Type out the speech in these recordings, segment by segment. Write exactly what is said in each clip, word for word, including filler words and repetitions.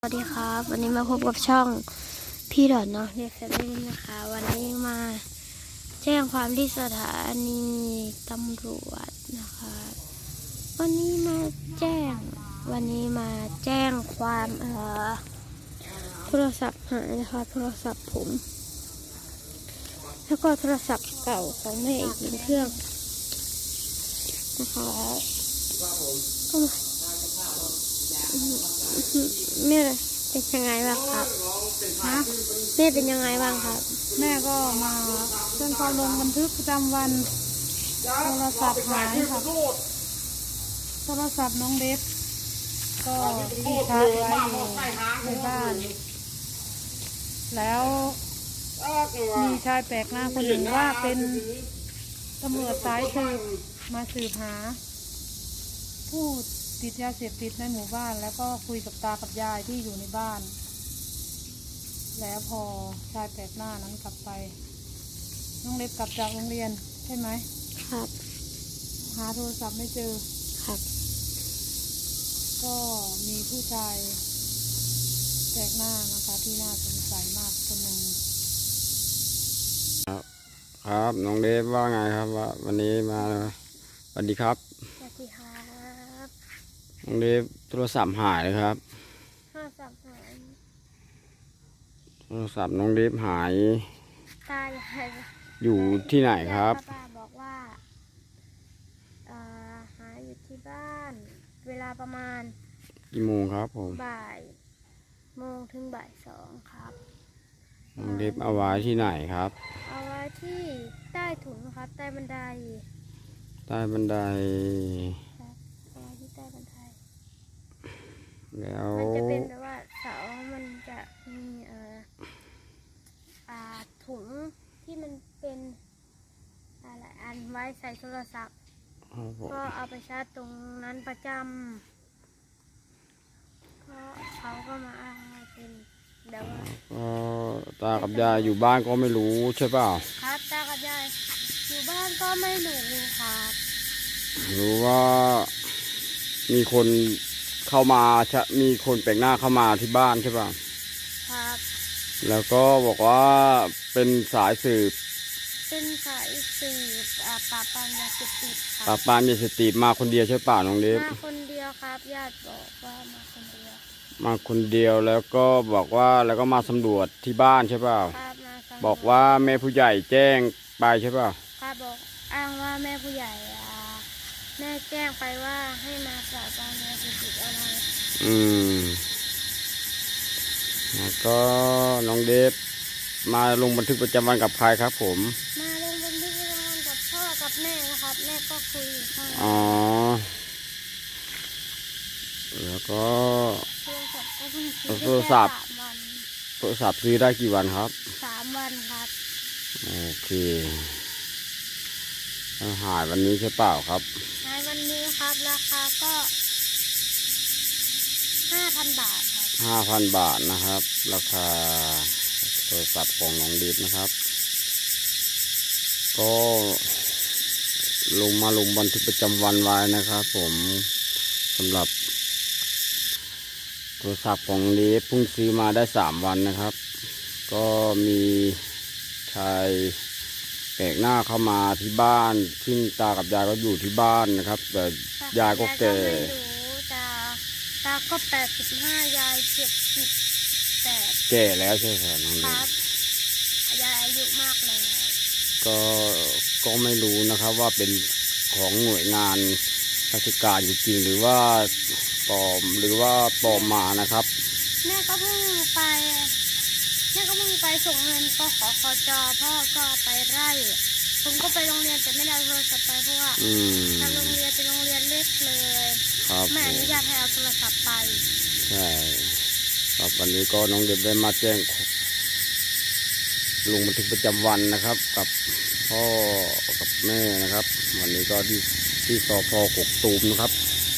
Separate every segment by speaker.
Speaker 1: สวัสดีครับวันนี้มาพบกับช่องพี่ดอดเนาะเรียกแฟมิลี่นะคะวันนี้มาแจ้งความที่สถานีตำรวจนะคะวันนี้มาแจ้งวันนี้มาแจ้งความเอ่อโทรศัพท์หายนะคะโทรศัพท์ผมแล้วก็โทรศัพท์เก่าของแม่อีกหนึ่งเครื่องนะคะก็มาแม่เป็นยังไงบ้างครับฮะแม่เป็นยังไงบ้างครับ
Speaker 2: แม่ก็มาเชิญความลงบันทึกประจำวันโทรศัพท์หายค่ะโทรศัพท์น้องเด็กก็ที่ชาร์จไว้อยู่ในบ้านแล้วมีชายแปลกหน้าคนหนึ่งว่าเป็นตำรวจสายสืบมาสืบหาผู้ติดยาเสพติดในหมู่บ้านแล้วก็คุยกับตากับยายที่อยู่ในบ้านแล้วพอชายแปลกหน้านั้นกลับไปน้องเล็กกลับจากโรงเรียนใช่ไหม
Speaker 1: ครับ
Speaker 2: หาโทรศัพท์ไม่เจอ
Speaker 1: ครับ
Speaker 2: ก็มีผู้ชายแปลกหน้านะคะที่น่าสงสัยมากคนหนึ่ง
Speaker 3: ครับน้องเดฟว่าไงครับว่าวันนี้มาสวัสดีครับ
Speaker 1: สวัสดีครับ
Speaker 3: น้องเดฟโทรศัพท์หายเลยครับ
Speaker 1: โทรศัพท์หาย
Speaker 3: โทรศัพท์น้องเดฟหาย
Speaker 1: ตายหาย
Speaker 3: อยู่ที่ไหนครับ
Speaker 1: ป้าบอกว่าหายอยู่ที่บ้านเวลาประมาณ
Speaker 3: กี่โมงครับผม
Speaker 1: บ่ายโมงถึงบ่ายสองครับ
Speaker 3: น้องเดฟเอาไว้ที่ไหนครับ
Speaker 1: เอาไว้ที่ใต้ถุนครับใต้บันได
Speaker 3: ใต้บันได
Speaker 1: ครับเอาไว้ที่ใต้บันได
Speaker 3: แล้ว
Speaker 1: มันจะเป็นแบบว่าเสามันจะมีเอ่ออ่าถุงที่มันเป็นอะไรอันไว้ใส่โทรศัพท์ก็เอาไปชาร์จตรงนั้นประจำก็เขาก็มาอ้างว่าเป็นเดี๋ยว
Speaker 3: ก็ตากับยายอยู่บ้านก็ไม่รู้ใช่เปล่า
Speaker 1: ครับตากับยายอยู่บ้านก็ไม่รู้ครับ
Speaker 3: รู้ว่ามีคนเข้ามาจะมีคนแปลกหน้าเข้ามาที่บ้านใช่ป่ะ
Speaker 1: ครับ
Speaker 3: แล้วก็บอกว่าเป็นสายสืบ
Speaker 1: เป็นสายสืบปราบปรามยาเสพติดครับ
Speaker 3: ปราบปรามยาเสพติดมาคนเดียวใช่ป่ะน้องเล็บ
Speaker 1: มาคนเดียวครับญาติบอกว่ามาคนเดียว
Speaker 3: มาคนเดียวแล้วก็บอกว่าแล้วก็มาสำรวจที่บ้านใช่ป่ะบอกว่าแม่ผู้ใหญ่แจ้งไปใช่ป่ะ
Speaker 1: ครับบอกอ้างว่าแม่ผู้ใหญ่แม่แจ้งไปว่าให้มาปราบปรามยาเสพติดอะไร
Speaker 3: อืมแล้วก็น้องเดฟมาลงบันทึกประจำวันกับใครครับผม
Speaker 1: มาลงบันทึกประจำวันกับพ่อกับแม่นะครับแม่ก็คุยข้างใน
Speaker 3: อ๋อแล้วก็
Speaker 1: โทรศัพท์ก็เพิ่งซื้อ
Speaker 3: โทรศัพท์
Speaker 1: สามวัน
Speaker 3: โทรศัพท์ซื้อได้กี่วันครับ
Speaker 1: สามวันครับ
Speaker 3: โอเคหายวันนี้ใช่เปล่าครับ
Speaker 1: หายวันนี้ครับราคาก็ห้าพันบาทครับ
Speaker 3: ห้าพันบาทนะครับราคาโทรศัพท์ของน้องเดฟนะครับก็ลงมาลงบันทึกประจำวันไว้นะครับผมสำหรับโทรศัพท์ของเดฟเพิ่งซื้อมาได้สามวันนะครับก็มีชายแปลกหน้าเข้ามาที่บ้านซึ่งตากับยายก็อยู่ที่บ้านนะครับแต่ยายก็แก่
Speaker 1: ตาตาก็แปดสิบห้ายายเจ็ดสิบแปด
Speaker 3: แก่แล้วใช่ไหมน้องเดฟ
Speaker 1: ยายอายุมากแล้ว
Speaker 3: ก็ก็ไม่รู้นะครับว่าเป็นของหน่วยงานราชการจริงๆหรือว่าปลอมหรือว่าปลอมมานะครับ
Speaker 1: แม่ก็เพิ่งไปแม่ก็เพิ่งไปส่งเงินก็ขอขอจอพ่อก็ไปไร่ผมก็ไปโรงเรียนแต่ไม่ได้โทรศัพท์ไปเพราะว่าทางโรงเรียนเป็นโรงเรียนเล็กเลยแม่อนุญาตให้เอาโทรศัพท์ไป
Speaker 3: ใช่ครับวันนี้ก็น้องเด็กได้มาแจ้งลงบันทึกประจำวันนะครับกับพ่อกับแม่นะครับวันนี้ก็ที่ที่สพ.กกตูมนะครับ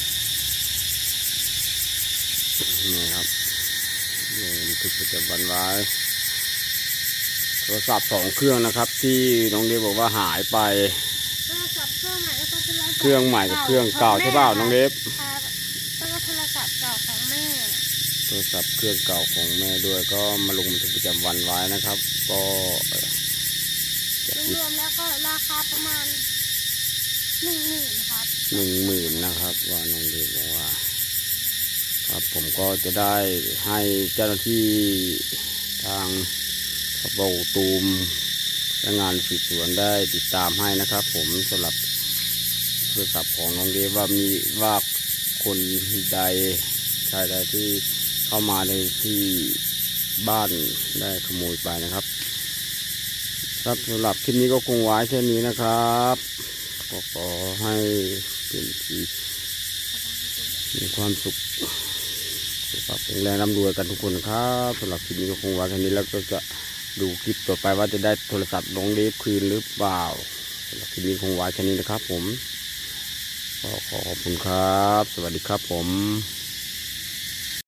Speaker 3: นี่ครับลงบันทึกประจำวันไว้โทรศัพท์สองเครื่องนะครับที่น้องเดฟบอกว่าหายไป
Speaker 1: โทรศัพท์เครื่องใหม่แล้วก็โทรศัพท์
Speaker 3: เครื่องใหม่กับเครื่องเก่าใช่เปล่าน้องเดฟ
Speaker 1: ครับแล้วก็โทรศัพท์เก่าของแม่
Speaker 3: โทรรศัพท์เครื่องเก่าของแม่ด้วยก็มาลงบันทึกประจำวันไว้นะครับ ก็จะอีก
Speaker 1: รวมๆแล้วก็ราคาประมาณหนึ่งหมื่นครับ
Speaker 3: หนึ่งหมื่นนะครับว่าน้องเดชบอกว่าครับผมก็จะได้ให้เจ้าหน้าที่ทางสปอตูมและงานสืบสวนได้ติดตามให้นะครับ ผมสำหรับโทรศัพท์ของน้องเดชว่ามีว่าคนใดชายใดที่เข้ามาในที่บ้านได้ขโมยไปนะครับครับสำหรับคลิปนี้ก็คงไว้แค่นี้นะครับก็ขอให้เป็นที่มีความสุขสุขภาพแข็งแรงร่ำรวยกันทุกคนครับสำหรับคลิปนี้ก็คงไว้แค่นี้แล้วก็จะดูคลิปต่อไปว่าจะได้โทรศัพท์น้องเดฟคืนหรือเปล่าสำหรับคลิปนี้คงไว้แค่นี้นะครับผมก็ขอขอบคุณครับสวัสดีครับผม